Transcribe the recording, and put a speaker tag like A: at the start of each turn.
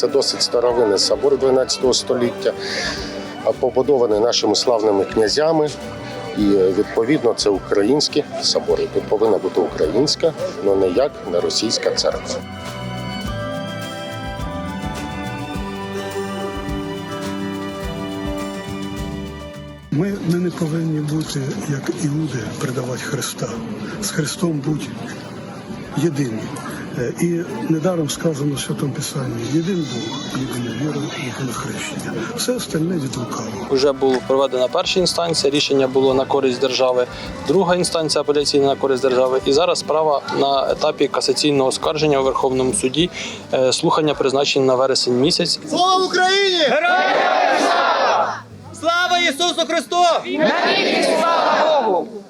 A: Це досить старовинний собор 12 століття, побудований нашими славними князями. І, відповідно, це українські собори. Тут повинна бути українська, але ніяк не російська церква.
B: Ми не повинні бути, як іуди, предавати Христа. З Христом будь єдині. І недаром сказано в Святому Писанні: єдин Бог, єдина віра, єдине хрещення. Все остальне від лукавого.
C: Вже була проведена перша інстанція, рішення було на користь держави, друга інстанція апеляційна на користь держави. І зараз справа на етапі касаційного оскарження у Верховному суді. Слухання призначені на вересень місяць.
D: Слава Україні! Героям слава! Слава Ісусу Христу! Навіки слава Богу!